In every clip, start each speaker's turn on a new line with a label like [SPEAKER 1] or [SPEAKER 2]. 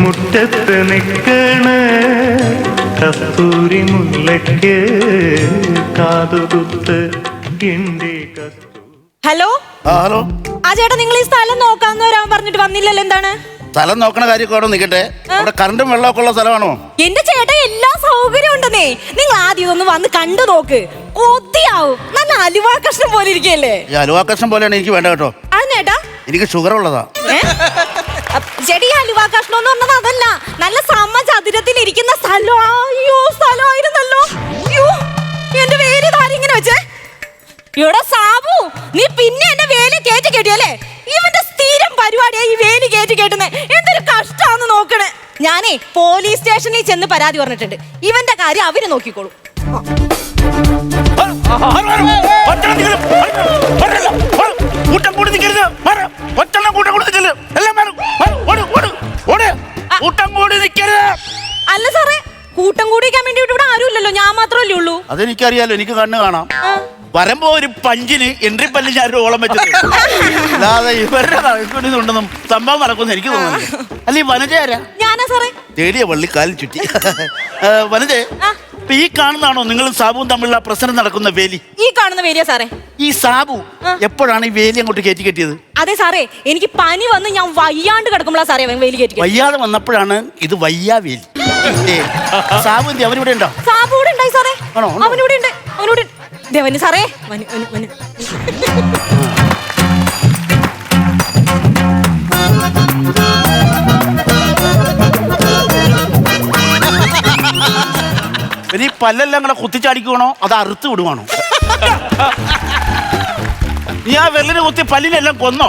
[SPEAKER 1] മുറ്റത്ത് നിൽക്കണ കസ്തൂരി മുല്ലയ്ക്ക് കാതുകുത്ത്
[SPEAKER 2] hello
[SPEAKER 3] hello
[SPEAKER 2] ആ ചേട്ടാ, നിങ്ങൾ ഈ സ്ഥലം നോക്കാന്ന് വരാൻ പറഞ്ഞിട്ട് വന്നില്ലല്ലോ, എന്താണ്?
[SPEAKER 3] സ്ഥലം നോക്കണ കാര്യമൊക്കെ അവിടെ നിൽക്കട്ടെ. അവിടെ കറണ്ടും വെള്ളമൊക്കെ ഉള്ള സ്ഥലമാണോ?
[SPEAKER 2] എന്റെ ചേട്ടാ, എല്ലാ സൗകര്യം ഉണ്ടെന്നേ. നിങ്ങൾ ആദ്യം ഇതൊന്ന് വന്ന് കണ്ടു നോക്ക്, കൊതിയാവും. നല്ല അലുവാ കഷ്ണം പോലെ ഇരിക്കല്ലേ.
[SPEAKER 3] ഈ അലുവാ കഷ്ണം പോലെയാണ് എനിക്ക് വേണ്ട കേട്ടോ.
[SPEAKER 2] അതിനേട്ടാ
[SPEAKER 3] എനിക്ക് ഷുഗർ ഉള്ളതാ.
[SPEAKER 2] ചേട്ടാ, ഈ അലുവാ കഷ്ണം എന്ന് പറഞ്ഞത് അതല്ല, നല്ല സമചതുരത്തിൽ ഇരിക്കുന്ന സ്ഥലം. അയ്യോ, സ്ഥലമായിരുന്നല്ലോ. അയ്യോ, എന്റെ വേര് ഇങ്ങനെ വെച്ചേ. ഇവിടെ സാബു, നീ പിന്നെ എന്റെ വേലി കയറ്റി കേട്ടിയല്ലേ? ഇവന്റെ സ്ഥിരം പരിപാടിയാ ഈ വേലി കയറ്റി കേട്ടുന്നേ. എന്തൊരു കഷ്ടാന്ന് നോക്കണേ. ഞാനേ പോലീസ് സ്റ്റേഷനിൽ ചെന്ന് പരാതി പറഞ്ഞിട്ടുണ്ട്. ഇവന്റെ കാര്യം അവര് നോക്കിക്കോളൂ. അല്ല സാറേ, കൂട്ടം കൂടിക്കാൻ വേണ്ടി ഇവിടെ ആരും ഇല്ലല്ലോ, ഞാൻ മാത്രമല്ലേ ഉള്ളൂ.
[SPEAKER 3] അതെനിക്കറിയാലോ, എനിക്ക് കണ്ണ് കാണാം. വരുമ്പോ ഒരു പഞ്ചിന് എൻട്രി പല്ല് ഞാൻ ഓളം വെച്ചത് അല്ലാതെ ഇവരുടെ ഉണ്ടെന്നും സംഭവം നടക്കുമെന്ന് എനിക്ക് തോന്നുന്നു. അല്ല, ഈ വനജ ആരാ?
[SPEAKER 2] ഞാനാ സാറേ.
[SPEAKER 3] തേടിയ വള്ളിക്കാലിൽ ചുറ്റി. വനജ, ഈ കാണുന്നതാണോ നിങ്ങളും സാബുവും തമ്മിലുള്ള പ്രശ്നം നടക്കുന്ന വേലി?
[SPEAKER 2] ഈ കാണുന്ന വേലിയാ സാറേ.
[SPEAKER 3] ഈ സാബു എപ്പോഴാണ് ഈ വേലി അങ്ങോട്ട് കയറ്റി കെട്ടിയത്?
[SPEAKER 2] അതെ സാറേ, എനിക്ക് പനി വന്ന് ഞാൻ വയ്യാണ്ട് കിടക്കുമ്പോഴാ സാറേ വേലി കയറ്റി.
[SPEAKER 3] വയ്യാതെ വന്നപ്പോഴാണ് ഇത് വയ്യാ വേലി. സാബു എന്തി അവനിവിടെ ഉണ്ടോ?
[SPEAKER 2] സാബു ഇവിടെ ഉണ്ടായി സാറേ. അവനിവിടെ ഉണ്ട്, അവനോട് ദേവന് സാറേ.
[SPEAKER 3] ഇനി പല്ലെല്ലാം കൂടെ കുത്തിച്ചാടിക്കുവാണോ അത് അറുത്ത് വിടുവാണോ? നീ ആ വെള്ളിനെ കുത്തി പല്ലിനെല്ലാം കൊന്നോ?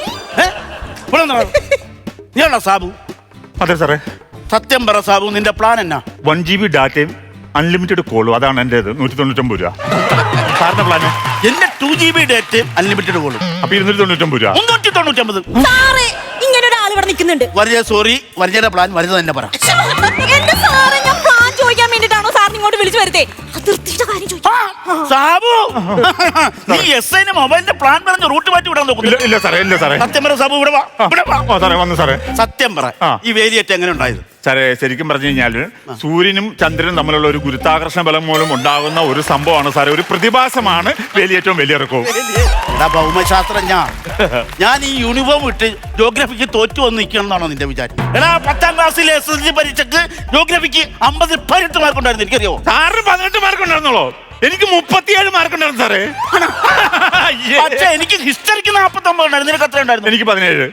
[SPEAKER 3] നീയാണോ സാബു?
[SPEAKER 1] അതെ സാറേ.
[SPEAKER 3] സത്യം പറ സാബു, നിന്റെ പ്ലാൻ എന്നാ?
[SPEAKER 1] 1 GB ഡാറ്റയും അൺലിമിറ്റഡ് കോളും, അതാണ് എന്റേത്. 199 രൂപ. സാറിന്റെ പ്ലാന്?
[SPEAKER 3] എന്റെ 2 GB ഡേറ്റയും അൺലിമിറ്റഡ് കോളും.
[SPEAKER 1] അപ്പൊ 299 രൂപ.
[SPEAKER 3] 399.
[SPEAKER 2] സാറേ, ഇങ്ങനെ ഒരാൾ ഇവിടെ നിൽക്കുന്നുണ്ട്.
[SPEAKER 3] വരിക, സോറി, വരികയുടെ പ്ലാൻ വരുന്ന തന്നെ പറ.
[SPEAKER 2] എന്റെ സാറേ, ഞാൻ പ്ലാൻ ചോദിക്കാൻ വേണ്ടിട്ടാണോ സാറിന് ഇങ്ങോട്ട് വിളിച്ചു വരുത്തേ? അതിർത്തിയുടെ കാര്യം ചോദിക്കാം.
[SPEAKER 3] സാബു, നീ SIന് മൊബൈലിന്റെ പ്ലാൻ പറഞ്ഞ റൂട്ട് മാറ്റി വിടാൻ നോക്കുന്നു.
[SPEAKER 1] ഇല്ല സാറേ, ഇല്ല സാറേ.
[SPEAKER 3] സത്യം പറ സാബു, ഇവിടെ വാ.
[SPEAKER 1] സാറേ വന്നു സാറേ.
[SPEAKER 3] സത്യം പറ, ഈ വേലിയേറ്റം എങ്ങനെ ഉണ്ടായത്?
[SPEAKER 1] സാറേ, ശരിക്കും പറഞ്ഞു കഴിഞ്ഞാല് സൂര്യനും ചന്ദ്രനും തമ്മിലുള്ള ഒരു ഗുരുത്വാകർഷണ ബലം മൂലം ഉണ്ടാകുന്ന ഒരു സംഭവമാണ് സാറേ, ഒരു പ്രതിഭാസമാണ് വേലിയേറ്റവും വലിയിറക്കവും.
[SPEAKER 3] ഭൗമശാസ്ത്രജ്ഞ, ഞാൻ ഈ യൂണിഫോം ഇട്ട് ജോഗ്രഫിക്ക് തോറ്റു വന്ന് നിൽക്കണം എന്നാണോ നിന്റെ വിചാരം? എടാ, 10ാം ക്ലാസ്സിലെ SSLC പരീക്ഷക്ക് ജോഗ്രഫിക്ക് 50 18 മാർക്ക് ഉണ്ടായിരുന്നു. എനിക്കറിയോ?
[SPEAKER 1] സാറിന് 18 മാർക്ക് ഉണ്ടായിരുന്നോളൂ? എനിക്ക് 37 മാർക്ക് ഉണ്ടായിരുന്നു സാറേ.
[SPEAKER 3] പക്ഷേ എനിക്ക് ഹിസ്റ്ററിക്ക് 49 ഉണ്ടായിരുന്നു. നിനക്ക് എത്ര ഉണ്ടായിരുന്നു?
[SPEAKER 1] എനിക്ക് 17.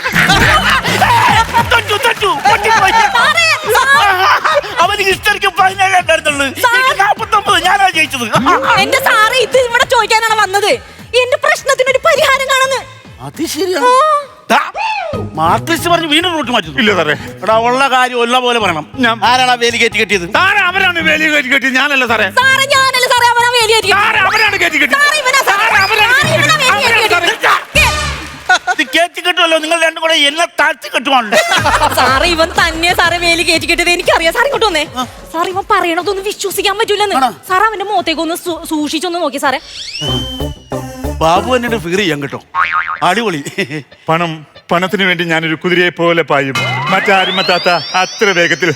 [SPEAKER 3] അവന് ഹിസ്റ്ററിക്ക് 17 ഉണ്ടായിരുന്നുള്ളൂ. 49 ഞാനാ ജയിച്ചത്.
[SPEAKER 2] എന്റെ സാറേ, ഇത് ഇവിടെ ചോദിക്കാനാണ് വന്നത്. എന്റെ പ്രശ്നത്തിനൊരു പരിഹാരം കാണുന്നു.
[SPEAKER 3] അത് ശരിയാണ്. മാർക്ക് ലിസ്റ്റ് പറഞ്ഞ് വീണ്ടും റൂട്ട് മാറ്റുന്നു.
[SPEAKER 1] ഇല്ല സാറേ.
[SPEAKER 3] എടാ, ഉള്ള കാര്യം ഉള്ള പോലെ പറയണം. ആരാണ് വേലി കയറ്റി കെട്ടിയത്?
[SPEAKER 1] സാറേ, അവരാണ് വേലി കയറ്റി കെട്ടിയത്, ഞാനല്ല സാറേ.
[SPEAKER 2] സാറേ, ഞാനല്ല സാറേ, അവനാ വേലി കയറ്റി.
[SPEAKER 1] അവരാണ് കയറ്റി കെട്ടിയത്.
[SPEAKER 3] കയറ്റി കെട്ടുമല്ലോ, നിങ്ങൾ രണ്ടും കൂടെ എന്നെ താഴ്ത്തി കെട്ടുവാണല്ലോ.
[SPEAKER 2] സാറേ, ഇവൻ തന്നെ സാറേ വേലി കയറ്റി കെട്ടിയത് എനിക്കറിയാം. സാർ ഇങ്ങോട്ട് വന്നേ. സാർ, ഇവൻ പറയണതൊന്നും വിശ്വസിക്കാൻ പറ്റൂലെന്ന്. സാർ അവന്റെ മുഖത്തേക്ക് ഒന്ന് സൂക്ഷിച്ചൊന്ന് നോക്കി സാറേ.
[SPEAKER 3] ബാബു എന്നിട്ട് ഫിഗർ ചെയ്യാൻ കേട്ടോ, അടിപൊളി.
[SPEAKER 1] പണത്തിന് വേണ്ടി ഞാനൊരു കുതിരയെ പോലെ പായും, മറ്റാരും മറ്റാത്ത അത്ര വേഗത്തിൽ.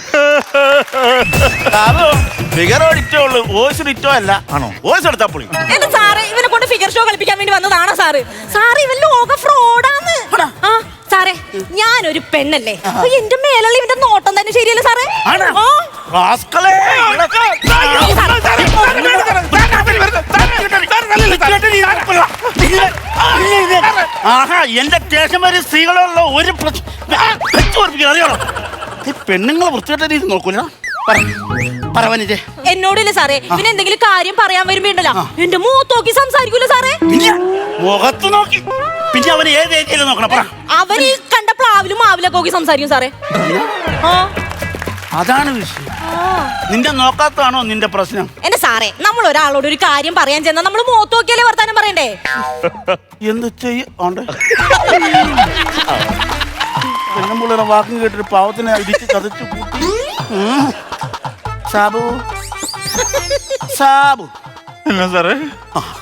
[SPEAKER 3] ഫിഗർ ഇറ്റോ ഉള്ളു, വോയിസ് ഇറ്റോ അല്ല. ആണോ? വോയിസ് എടുത്താ പൊളി.
[SPEAKER 2] എന്റെ സാറേ, ഇവനെ കൊണ്ട് ഫിഗർ ഷോ കളിപ്പിക്കാൻ വേണ്ടി വന്നതാണോ സാറ്? സാറ് ഇവൻ ലോക ഫ്രോഡാന്ന്. സാറേ, ഞാനൊരു പെണ്ണല്ലേ, എന്റെ മേലുള്ള ഇവന്റെ നോട്ടം തന്നെ ശരിയല്ലേ സാറേ?
[SPEAKER 3] ആഹാ, എന്റെ സ്റ്റേഷൻ വരെ സ്ത്രീകളുള്ള ഒരു അറിയണം. ഈ പെണ്ണുങ്ങളെ വൃത്തികെട്ട രീതി നോക്കൂല.
[SPEAKER 2] എന്നോടില്ല സാറേ, പിന്നെ എന്തെങ്കിലും കാര്യം പറയാൻ വരുമ്പോണ്ടല്ലോ എന്റെ മുഖത്ത് നോക്കി സംസാരിക്കൂല സാറേ.
[SPEAKER 3] മുഖത്ത് നോക്കി പിന്നെ അവന് ഏത് ഏരിയയിലും നോക്കണം.
[SPEAKER 2] അവൻ ഈ കണ്ട പ്ലാവിലും മാവിലൊക്കെ നോക്കി സംസാരിക്കും സാറേ.
[SPEAKER 3] അതാണ് വിഷയം. നിന്റെ നോക്കാത്തതാണോ നിന്റെ പ്രശ്നം?
[SPEAKER 2] എന്റെ സാറേ, നമ്മൾ ഒരാളോട് ഒരു കാര്യം പറയാൻ ചെന്നാൽ നമ്മൾ മുഖത്ത് നോക്കിയാലേ വർത്താനം പറയണ്ടേ?
[SPEAKER 3] എന്ത് ചെയ്യണ്ട് പെണ്ണുമ്പുള്ളിയുടെ വാക്കും കേട്ടിട്ട് പാവത്തിനെ ഇടിച്ച് ചതച്ചു കൂട്ടി. സാബു, സാബു
[SPEAKER 1] എന്നാ സാറേ?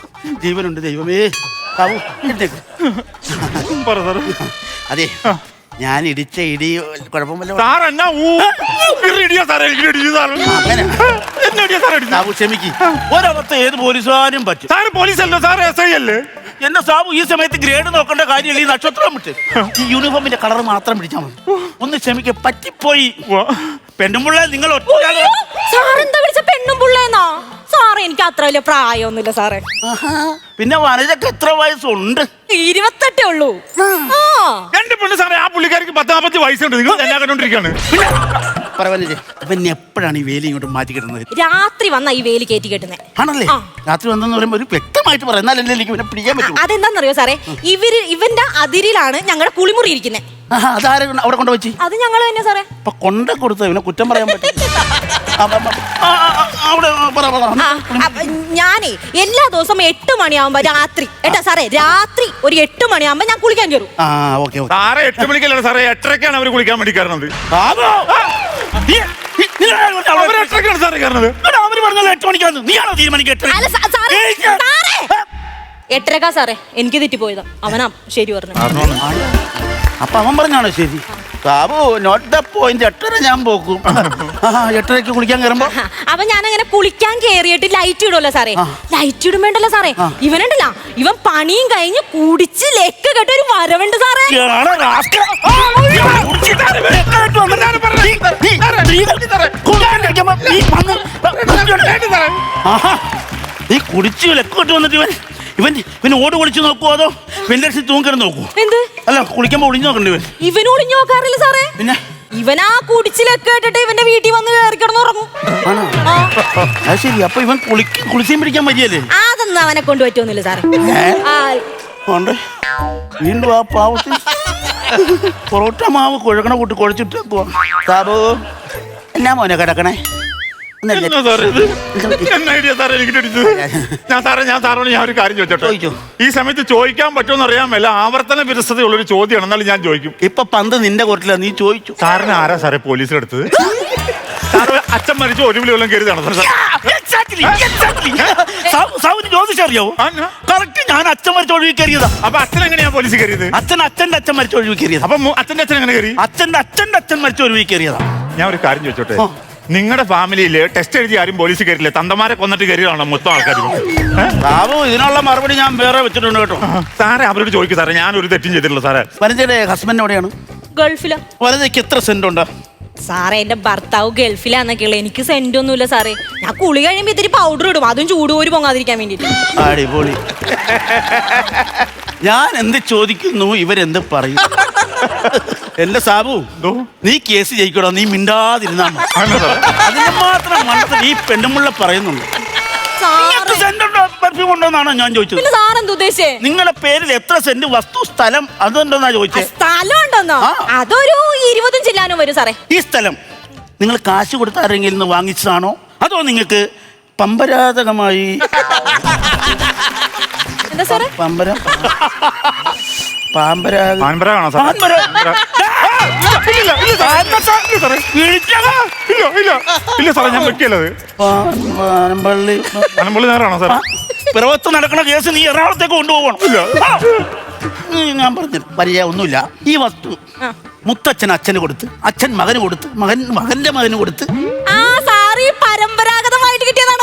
[SPEAKER 3] ജീവനുണ്ട് ദൈവമേ. സാബു, അതെ, ഞാൻ ഇടിച്ച ഇടി കുഴപ്പമില്ല.
[SPEAKER 1] സാർ എന്നാ ഇടിയാ സാറേ, എനിക്ക് ഇടിച്ചു സാറ്.
[SPEAKER 3] അങ്ങനെ
[SPEAKER 1] എന്നെ ഇടിയാ സാറേ ഇടിച്ചു.
[SPEAKER 3] സാബു ക്ഷമിക്ക്. ഒരവസ്ഥ ഏത് പോലീസുകാരും പറ്റും.
[SPEAKER 1] സാറ് പോലീസല്ലോ, സാറ് SI അല്ലേ?
[SPEAKER 3] എന്റെ സാബു ഈ സമയത്ത് ഗ്രേഡ് നോക്കേണ്ട കാര്യമില്ല. ഈ നക്ഷത്രം വിട്ട് ഈ യൂണിഫോമിന്റെ കളർ മാത്രം പിടിച്ചാൽ മതി. ഒന്ന് ക്ഷമിക്ക, പറ്റിപ്പോയി. പെണ്ണുമ്പുള്ള നിങ്ങൾ
[SPEAKER 2] സാറെന്താ വിളിച്ച പെണ്ണും പുള്ളേന്നാ? സാറേ എനിക്ക് അത്ര വലിയ പ്രായമൊന്നുമില്ല സാറേ.
[SPEAKER 3] പിന്നെ വനജക്ക് എത്ര വയസ്സുണ്ട്?
[SPEAKER 2] 28 ഉള്ളൂ.
[SPEAKER 1] എന്റെ പെണ്ണ് സാറേ, ആ പുള്ളിക്കാരിക്ക് 40 വയസ്സുണ്ട്. നിങ്ങൾ എല്ലാം കണ്ടോണ്ടിരിക്കാണ്.
[SPEAKER 3] പിന്നെ എപ്പോഴാണ് ഈ വേലി ഇങ്ങോട്ട് മാറ്റി കിട്ടുന്നത്?
[SPEAKER 2] രാത്രി വന്ന ഈ വേലി കയറ്റി കെട്ടുന്നേ.
[SPEAKER 3] ആണല്ലേ? രാത്രി വന്നെന്ന് പറയുമ്പോൾ ഒരു വ്യക്തമായിട്ട് പറയാം, എന്നാലല്ലേ എനിക്ക് പിന്നെ പിടിക്കാൻ പറ്റും.
[SPEAKER 2] അതെന്താന്നറിയോ സാറേ, ഇവന്റെ അതിരിലാണ് ഞങ്ങളുടെ കുളിമുറി ഇരിക്കുന്നത്.
[SPEAKER 3] അതാരെ അവിടെ കൊണ്ടുവച്ചി?
[SPEAKER 2] അത് ഞങ്ങൾ തന്നെ സാറേ.
[SPEAKER 3] അപ്പൊ കൊണ്ട കൊടുത്ത ഇവനെ കുറ്റം പറയാൻ പറ്റും.
[SPEAKER 2] ഞാനേ എല്ലാ ദിവസവും 8 മണിയാവുമ്പോ രാത്രി സാറേ, രാത്രി ഒരു 8 മണിയാവുമ്പോ ഞാൻ കുളിക്കാൻ കയറും.
[SPEAKER 1] സാറേ 8 മണിക്കല്ല സാറേ, 8:30ക്കാണ് അവർ കുളിക്കാൻ വേണ്ടി കയറുന്നത്. സാറേ കയറുന്നത്
[SPEAKER 3] അവര് പറഞ്ഞത് 8 മണിക്കാണ്. നീയാണോ തീരുമാനിക്കുക?
[SPEAKER 2] 8:30 സാറേ, എനിക്ക് തെറ്റിപ്പോയതാ. അവനാ ശരി പറഞ്ഞു.
[SPEAKER 3] അപ്പൊ അവൻ പറഞ്ഞാണോ ശരി? Sabu not the point. 8:30 ഞാൻ പോക്കും. 8:30 കുളിക്കാൻ കയറുമ്പോ
[SPEAKER 2] അപ്പൊ ഞാൻ അങ്ങനെ കുളിക്കാൻ കേറിയിട്ട് ലൈറ്റ് ഇടുമല്ലോ സാറേ. ലൈറ്റ് ഇടുമ്പോണ്ടല്ലോ സാറേ, ഇവനുണ്ടല്ല, ഇവൻ പണിയും കഴിഞ്ഞ് കുടിച്ച് ലെക്ക് കെട്ട ഒരു വരവുണ്ട് സാറേ.
[SPEAKER 3] നീ കുടിച്ച് ലെക്ക് കെട്ട് വന്നിട്ട് ഇവൻ ഓട് കുളിച്ച് നോക്കുവോ അതോ വെല്ലടിച്ച് തൂങ്ങിക്കിട നോക്കൂ?
[SPEAKER 2] എന്ത്?
[SPEAKER 3] അല്ല, കുളിക്കുമ്പോ ഒളിഞ്ഞു നോക്കണ്ടേ ഇവൻ?
[SPEAKER 2] ഇവന് ഒളിഞ്ഞു നോക്കാറില്ല സാറേ. പിന്നെ ഇവനാ കുടിച്ചിലൊക്കെ കേട്ടിട്ട് ഇവന്റെ വീട്ടിൽ വന്ന് കയറി കിടന്നുറങ്ങും.
[SPEAKER 3] അത് ശരി. അപ്പൊ ഇവൻ കുളിച്ചും പിടിക്കാൻ മതിയല്ലേ?
[SPEAKER 2] അതൊന്നും അവനെ കൊണ്ട് പറ്റുമൊന്നുമില്ല സാറേ.
[SPEAKER 3] വീണ്ടും ആ പാവത്തിൽ പൊറോട്ട മാവ് കുഴക്കണ കൂട്ടി കുഴച്ചിട്ട് സാബു എന്നാ മോനെ കിടക്കണേ?
[SPEAKER 1] ഞാൻ ഒരു കാര്യം ചോദിച്ചോട്ടെ. ഈ സമയത്ത് ചോദിക്കാൻ പറ്റുമെന്ന് അറിയാൻ മേല, ആവർത്തന വിരസതയുള്ളൊരു ചോദ്യമാണ്. എന്നാലും ഞാൻ ചോദിക്കും.
[SPEAKER 3] ഇപ്പൊ പന്ത് നിന്റെ കോർട്ടില, നീ ചോദിച്ചു.
[SPEAKER 1] സാറിന് ആരാ സാറേ പോലീസിലെടുത്തത്? സാറ് അച്ഛൻ മരിച്ചു 1 വിളി വല്ലതും കരുതാണ്?
[SPEAKER 3] ജ്യോതിഷം അറിയാവോ? കറക്റ്റ്. ഞാൻ അച്ഛൻ മരിച്ച ഒഴിവ് കയറിയതാ.
[SPEAKER 1] അപ്പൊ അച്ഛൻ എങ്ങനെയാ പോലീസ് കയറിയത്?
[SPEAKER 3] അച്ഛൻ്റെ അച്ഛൻ മരിച്ച ഒഴിവ് കയറിയത്.
[SPEAKER 1] അപ്പൊ അച്ഛൻ്റെ അച്ഛൻ എങ്ങനെ കയറി?
[SPEAKER 3] അച്ഛൻ്റെ അച്ഛൻ മരിച്ച ഒഴിവ് കയറിയതാ.
[SPEAKER 1] ഞാൻ ഒരു കാര്യം ചോദിച്ചോട്ടെ. നിങ്ങളുടെ ഫാമിലിയില് ടെസ്റ്റ് എഴുതി ആരും പോലീസ് കയറില്ല? തന്തമാരെ കൊന്നിട്ട് കയറിയാണോ മൊത്തം ആൾക്കാരും?
[SPEAKER 3] ബാബു, ഇതിനുള്ള മറുപടി ഞാൻ വേറെ വെച്ചിട്ടുണ്ട് കേട്ടോ.
[SPEAKER 1] സാറേ അവരോട് ചോദിക്കും സാറേ, ഞാൻ ഒരു തെറ്റും ചെയ്തിട്ടില്ല സാറേ.
[SPEAKER 3] വനജയുടെ ഹസ്ബൻഡ് എവിടെയാണ്?
[SPEAKER 2] ഗൾഫിലാ.
[SPEAKER 3] വനജയ്ക്ക് എത്ര സെന്റ് ഉണ്ട്?
[SPEAKER 2] സാറേ എന്റെ ഭർത്താവ് ഗൾഫിലാന്നൊക്കെയുള്ള, എനിക്ക് സെന്റ് ഒന്നുമില്ല സാറേ. ഞാൻ കുളി കഴിയുമ്പോ ഇത്തിരി പൗഡർ ഇടും, അതും ചൂടുപോരി പൊങ്ങാതിരിക്കാൻ വേണ്ടിട്ട്.
[SPEAKER 3] അടിപൊളി. ഞാൻ എന്ത് ചോദിക്കുന്നു ഇവരെന്ത് പറയും? എന്റെ സാബു, നീ കേസ് ജയിക്കടോ, നീ മിണ്ടാതിരുന്നാ അതിന് മാത്രം മനസ്സിൽ ഈ പെണ്ണുമുള്ള പറയുന്നുണ്ട്. ഉണ്ടോന്നാണോ ഞാൻ ചോദിച്ചത്? നിങ്ങളുടെ പേരിൽ എത്ര സെന്റ് വസ്തു സ്ഥലം അതുണ്ടോന്നാ ചോദിച്ചത്?
[SPEAKER 2] സ്ഥലം ഉണ്ടോന്നോ? അതൊരു 20 ചില്ലാനും വരും സാറേ.
[SPEAKER 3] ഈ സ്ഥലം നിങ്ങൾ കാശ് കൊടുത്ത് ആരെങ്കിലും നിന്ന് വാങ്ങിച്ചതാണോ അതോ നിങ്ങൾക്ക് പമ്പരാതകമായി?
[SPEAKER 2] എന്താ സാറേ?
[SPEAKER 3] പിറവത്ത് നടക്കുന്ന കേസ് നീ എറണാകുളത്തേക്ക് കൊണ്ടുപോകണം. ഞാൻ പറഞ്ഞു പരിചയം ഒന്നുമില്ല. ഈ വസ്തു മുത്തച്ഛൻ അച്ഛന് കൊടുത്ത്, അച്ഛൻ മകന് കൊടുത്ത്, മകന്റെ മകന് കൊടുത്ത്.
[SPEAKER 2] പരമ്പരാഗതമായിട്ട് കിട്ടിയതാണോ?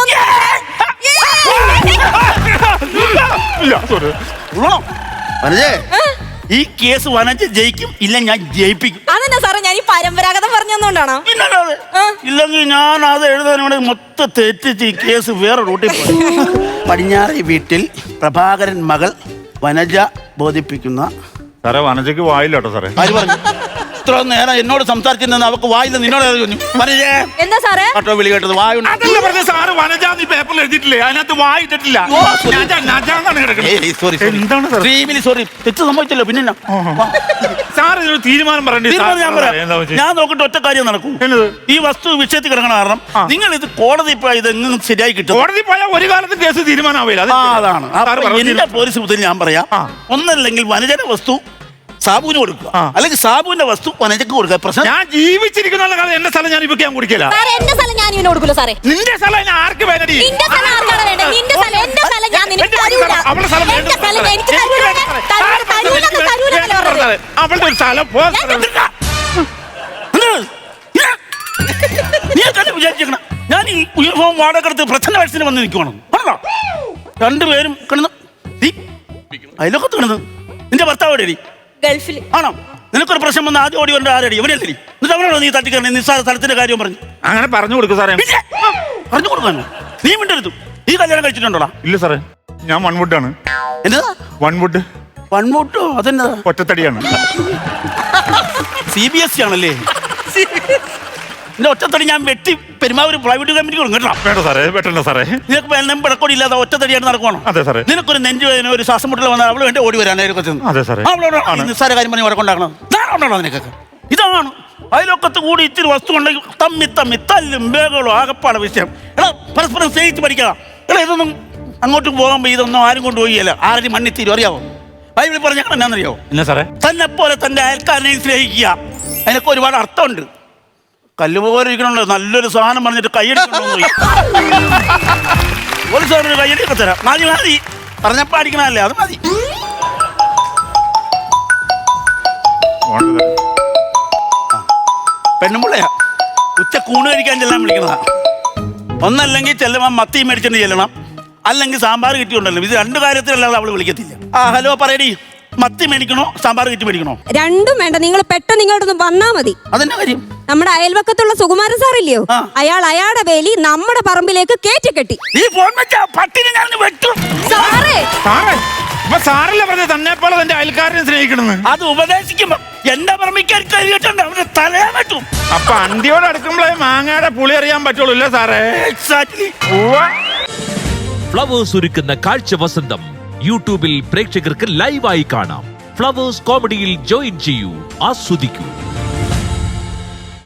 [SPEAKER 3] ഈ കേസ് വനജ ജയിക്കും, ഇല്ല ഞാൻ ജയിപ്പിക്കും.
[SPEAKER 2] അതെന്നാ സാറേ, ഞാൻ ഈ പരമ്പരാഗതം പറഞ്ഞോണ്ടാണോ?
[SPEAKER 3] ഇല്ലെങ്കിൽ ഞാൻ അത് എഴുതാൻ ഇവിടെ മൊത്തം തെറ്റിച്ച് ഈ കേസ് വേറെ റൂട്ടിൽ പോയി. പടിഞ്ഞാറേ വീട്ടിൽ പ്രഭാകരൻ മകൾ വനജ ബോധിപ്പിക്കുന്ന.
[SPEAKER 1] സാറേ വനജയ്ക്ക് വായില്ല കേട്ടോ സാറേ.
[SPEAKER 3] ആര് പറഞ്ഞു? ഇത്ര നേരം എന്നോട് സംസാരിച്ചിരുന്ന അവക്ക് വായില്ല, നിന്നോട് വനജേ
[SPEAKER 2] എന്താ സാറേ
[SPEAKER 3] കേട്ടോ വിളി കേട്ടത്? വായുണ്ട്
[SPEAKER 1] സാറ് വനജ നീ പേപ്പറിൽ എഴുതിയിട്ടില്ലേ? അതിനകത്ത് വായിട്ടിട്ടില്ല.
[SPEAKER 3] സോറി, തെറ്റ് സംഭവിച്ചല്ലോ. പിന്നെ
[SPEAKER 1] സാർ ഇതിനൊരു തീരുമാനം പറയണ്ടേ?
[SPEAKER 3] ഞാൻ നോക്കിട്ട് ഒറ്റ കാര്യം നടക്കൂ. ഈ വസ്തു വിഷയത്തിൽ കിടക്കണ കാരണം നിങ്ങൾ ഇത് കോടതി പോയി ഇതെങ്ങനെ ശരിയായി കിട്ടും?
[SPEAKER 1] കോടതി പോയാൽ ഒരു കാലത്ത് കേസ് തീരുമാനമാവില്ല.
[SPEAKER 3] അതാണ് എന്റെ പോലീസ് മുതൽ ഞാൻ പറയാം. ഒന്നല്ലെങ്കിൽ വനജന വസ്തു സാബുവിന് കൊടുക്കുക,
[SPEAKER 1] ആ.
[SPEAKER 3] അല്ലെങ്കിൽ സാബുവിന്റെ വസ്തു വനജയ്ക്ക് കൊടുക്കുക. പ്രശ്നം
[SPEAKER 1] ഞാൻ ജീവിച്ചിരിക്കുന്ന കാലം എന്റെ സ്ഥലം ഞാൻ ഇപ്പൊ ഞാൻ കുടിക്കില്ല.
[SPEAKER 2] സാറേ എന്റെ സ്ഥലം ഞാൻ ഇവന് കൊടുക്കൂല സാറേ.
[SPEAKER 1] നിന്റെ സ്ഥലം ഞാൻ ആർക്ക് വേണ്ടി?
[SPEAKER 2] നിന്റെ സ്ഥലം ആർക്കാണ് വേണ്ടത്? നിന്റെ സ്ഥലം എന്റെ സ്ഥലം ഞാൻ നിനക്ക് തരൂല.
[SPEAKER 1] അവളുടെ സ്ഥലം
[SPEAKER 2] എന്റെ സ്ഥലം എനിക്ക് തരൂലെന്ന് പറഞ്ഞത്.
[SPEAKER 1] അവളുടെ ഒരു സ്ഥലം പോ.
[SPEAKER 3] നീ തന്നെ വിചാരിച്ചേക്കണം ഞാൻ ഈ യൂണിഫോം വാടകെടുത്ത് പ്രച്ഛന്ന വയസ്സിന് വന്ന് നിൽക്കുവാണ്. ആണോ? രണ്ടുപേരും കിടന്ന് അതിലൊക്കെ കിടന്ന് നിന്റെ ഭർത്താവ് എവിടെയടി?
[SPEAKER 2] ഗൾഫിൽ.
[SPEAKER 3] ആണോ? നിനക്കൊരു പ്രശ്നം വന്ന് ആദ്യം ഓടി വരേണ്ട ആരടി? എവിടെയല്ലേ? എന്നിട്ട് അവനോടോ നീ തട്ടിക്കറണേ നിസ്സാര സ്ഥലത്തിന്റെ കാര്യം പറഞ്ഞു?
[SPEAKER 1] അങ്ങനെ പറഞ്ഞു കൊടുക്കും സാറേ.
[SPEAKER 3] പറഞ്ഞു കൊടുക്കാനോ? നീ മിണ്ടരുത്. നീ കല്യാണം കഴിച്ചിട്ടുണ്ടോടാ?
[SPEAKER 1] ഇല്ല സാറേ, ഞാൻ വൺവുഡാണ്.
[SPEAKER 3] എന്നതാ
[SPEAKER 1] വൺവുഡ്?
[SPEAKER 3] വൺവോട്ടോ? അതെന്നതാ?
[SPEAKER 1] ഒറ്റത്തടിയാണ്.
[SPEAKER 3] CBSE ആണല്ലേ? നിന്റെ ഒറ്റത്തടി ഞാൻ വെട്ടി പെരുമാവൂർ പ്രൈവറ്റ് കമ്പനി കൊടുക്കും കേട്ടോ.
[SPEAKER 1] വേണ്ട സാറേ, വെട്ടണ്ട സാറേ.
[SPEAKER 3] നിനക്ക് വെള്ളം പിടക്കോടി ഇല്ലാതെ ഒറ്റത്തടിയായിട്ട് നടക്കുവാണോ?
[SPEAKER 1] അതെ സാറേ.
[SPEAKER 3] നിനക്കൊരു നെഞ്ചുവേദന ഒരു ശ്വാസം മുട്ടൽ വന്നാൽ അവള് വേണ്ടി ഓടി വരാനായിരിക്കും.
[SPEAKER 1] അതെ സാറേ.
[SPEAKER 3] അവളോട് നിസ്സാര കാര്യം പറഞ്ഞ് വഴക്കുണ്ടാക്കണം. ഇതാണോ നിനക്കൊക്കെ? ഇതാണ് അയലോക്കത്ത് കൂടി ഇത്തിരി വസ്തു ഉണ്ടെങ്കിൽ തമ്മി തല്ലും ബേഗുകളും ആകപ്പാടെ വിഷയം. എടാ പരസ്പരം സ്നേഹിച്ച് പഠിക്കണം. എടാ ഇതൊന്നും അങ്ങോട്ട് പോകുമ്പോൾ ഇതൊന്നും ആരും കൊണ്ടുപോയില്ല. ആരും മണ്ണി തീരും. അറിയാവോ? ബൈബിളിൽ പറഞ്ഞ എന്നാന്നറിയോ?
[SPEAKER 1] ഇല്ല സാറേ.
[SPEAKER 3] തന്നെ പോലെ തന്റെ അയൽക്കാരനെയും സ്നേഹിക്കുക. അതിനൊക്കെ ഒരുപാട് അർത്ഥമുണ്ട്. കല്ലുപോലെ ഇരിക്കണല്ലോ നല്ലൊരു സാധനം പറഞ്ഞിട്ട് കൈയടിക്കണോ? ഒരു സാധനം കൈയടിയൊക്കെ തരാം. മതി പറഞ്ഞപ്പോ അടിക്കണല്ലേ? അത് മതി. പെണ്ണുമ്പുള്ളയാ ഉച്ച കൂണ് കഴിക്കാൻ ചെല്ലാൻ വിളിക്കണതാ. ഒന്നല്ലെങ്കിൽ ചെല്ലുമ്പോൾ മത്തി മേടിച്ചിട്ട് ചെല്ലണം, അല്ലെങ്കിൽ സാമ്പാർ കിട്ടിയുണ്ടല്ലോ. ഇത് രണ്ടു കാര്യത്തിലല്ലാതെ അവള് വിളിക്കത്തില്ല. ഹലോ പറയടി, മത്തി മേടിക്കണോ സാമ്പാർ കിട്ടി മേടിക്കണോ?
[SPEAKER 4] രണ്ടും വേണ്ട, നിങ്ങൾ പെട്ടെന്ന് ഇങ്ങോട്ടൊന്ന് വന്നാ മതി.
[SPEAKER 3] അതെന്നാ കാര്യം?
[SPEAKER 4] നമ്മുടെ അയൽവക്കത്തുള്ള സുകുമാരൻ സാറില്ലയോ, അയാളുടെ വേലി നമ്മുടെ പറമ്പിലേക്ക് കേറ്റി കെട്ടി.
[SPEAKER 3] നീ ഫോൺ വെച്ചാ പട്ടിനെ ഞാൻ വെട്ടും.
[SPEAKER 2] സാറേ
[SPEAKER 1] ഇപ്പൊ സാറല്ലേ പറഞ്ഞത് തന്നെ പോലെ തന്റെ അയൽക്കാരനെ സ്നേഹിക്കണമെന്ന്?
[SPEAKER 3] അത് ഉപദേശിക്കുമ്പോ എന്റെ പറമ്പിക്കാൻ കഴിയിട്ടുണ്ട് അവന്റെ തലയാൻ പറ്റും.
[SPEAKER 1] അപ്പൊ അന്തിയോട് അടുക്കുമ്പോഴേ മാങ്ങയുടെ പുളി അറിയാൻ പറ്റുള്ളൂ അല്ലേ സാറേ?
[SPEAKER 3] എക്സാക്ട്ലി.
[SPEAKER 5] ഫ്ലവേഴ്സ് ഒരുക്കുന്ന കാഴ്ച വസന്തം യൂട്യൂബിൽ പ്രേക്ഷകർക്ക് ലൈവായി കാണാം. ഫ്ലവേഴ്സ് കോമഡിയിൽ ജോയിൻ ചെയ്യൂ, ആസ്വദിക്കൂ.